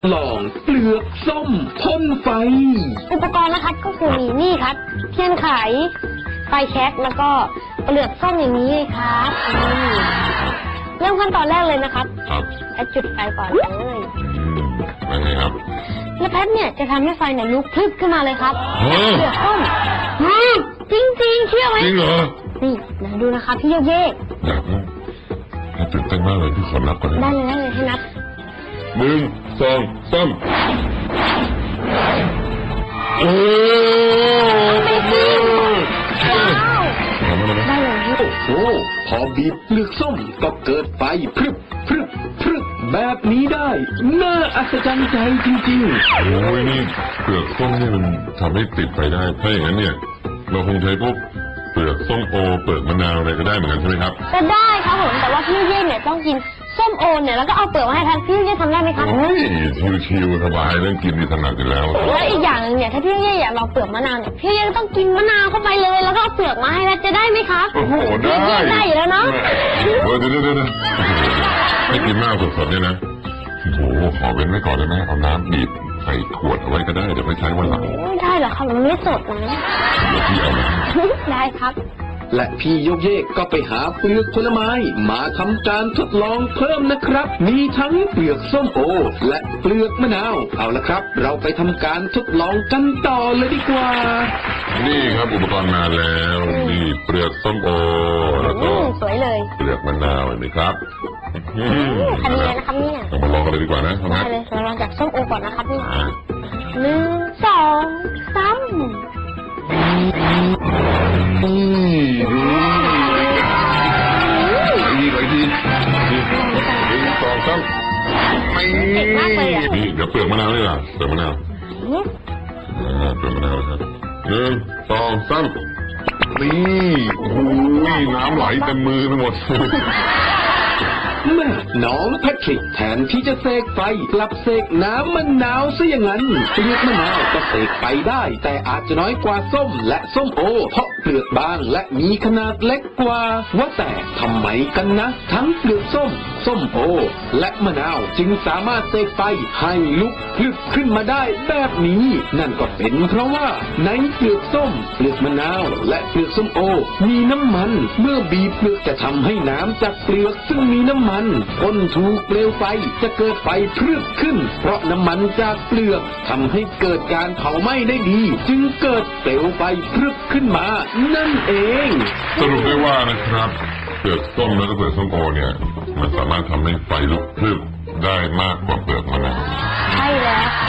ลองเปลือกส้มพ่นไฟอุปกรณ์นะครับก็คือมีนี่ครับเทียนไขไฟแช็กแล้วก็เปลือกส้มอย่างนี้เลยครับเริ่มขั้นตอนแรกเลยนะครับแพทจุดไฟก่อนเลยเป็นไงครับแล้วแพทเนี่ยจะทำให้ไฟเนี่ยลุกพลึบขึ้นมาเลยครับเปลือกส้มจริงๆเชื่อไหมจริงเหรอนี่นะดูนะคะพี่โยเย่อยากนะตื่นเต้นมากเลยพี่ขอนับก่อนได้เลยให้นับ 1 2 3โอ้ได้เลยโอ้โหพอบีบเปลือกส้มก็เกิดไฟพรึบพรึบพรึบแบบนี้ได้น่าอัศจรรย์ใจจริงๆโอ้ยนี่เปลือกส้มนี่มันทำให้ติดไฟได้ถ้าอย่างนั้นเนี่ยเราคงใช้พวกเปลือกส้มโอเปลือกมะนาวอะไรก็ได้เหมือนกันใช่ไหมครับก็ได้ครับผมแต่ว่าพี่เย่เนี่ยต้องกินส้มโอเนี่ยแล้วก็เอาเปลือกมาให้ทานพี่เย่ทำได้ไหมครับชิวๆสบายเรื่องกินนี่ถนัดอยู่แล้วแล้วอีกอย่างนึงเนี่ยถ้าพี่เย่อยากลองเปลือกมะนาวเนี่ยพี่เย่ต้องกินมะนาวเข้าไปเลยแล้วก็เอาเปลือกมาให้แล้วจะได้ไหมครับโอ้โหได้อยู่แล้วเนาะเดี๋ยวให้กินมากสดๆเนี่ยนะโอ้โหขอเว้นไว้ก่อนได้ไหมเอาน้ำบีบใส่ขวดเอาไว้ก็ได้เดี๋ยวไปใช้วันหลังได้เหรอครับมันไม่สดนะเดี๋ยวพี่เอามาได้ครับและพี่โยกเยกก็ไปหาเปลือกผลไม้มาทำการทดลองเพิ่มนะครับมีทั้งเปลือกส้มโอและเปลือกมะนาวเอาละครับเราไปทำการทดลองกันต่อเลยดีกว่านี่ครับอุปกรณ์มาแล้วนี่เปลือกส้มโอแล้วก็สวยเลยเปลือกมะนาวเห็นไหมครับทำยังไงนะครับเนี่ยเรามาลองกันเลยดีกว่านะได้เลยเราลองจากส้มโอก่อนนะครับนี่1 2 3 1 2 3เก่งมากเลยอ่ะนี่เดี๋ยวเปลือกมะนาวเลยล่ะเปลือกมะนาวเปลือกมะนาวครับ1 2 3นี่โอ้โหน้ำไหลเต็มมือไปหมดแม่น้องแพทริกแทนที่จะเสกไฟกลับเสกน้ำมะนาวซะอย่างนั้นเปลือกมะนาวก็เสกไปได้แต่อาจจะน้อยกว่าส้มและส้มโอเพราะเปลือกบางและมีขนาดเล็กกว่าว่าแต่ทำไมกันนะทั้งเปลือกส้มส้มโอและมะนาวจึงสามารถเสกไฟให้ลุกพลึบขึ้นมาได้แบบนี้นั่นก็เป็นเพราะว่าในเปลือกส้มเปลือกมะนาวและเปลือกส้มโอมีน้ำมันเมื่อบีบเปลือกจะทำให้น้ำจากเปลือกซึ่งมีน้ำมันพ่นถูกเปลวไฟจะเกิดไฟพรึบขึ้นเพราะน้ำมันจากเปลือกทำให้เกิดการเผาไหม้ได้ดีจึงเกิดเปลวไฟพรึบขึ้นมานั่นเองสรุปได้ว่านะครับเปลือกส้มและเปลือกส้มโอเนี่ยมันสามารถทำให้ไฟลุกพรึบได้มากกว่าเปลือกมะนาว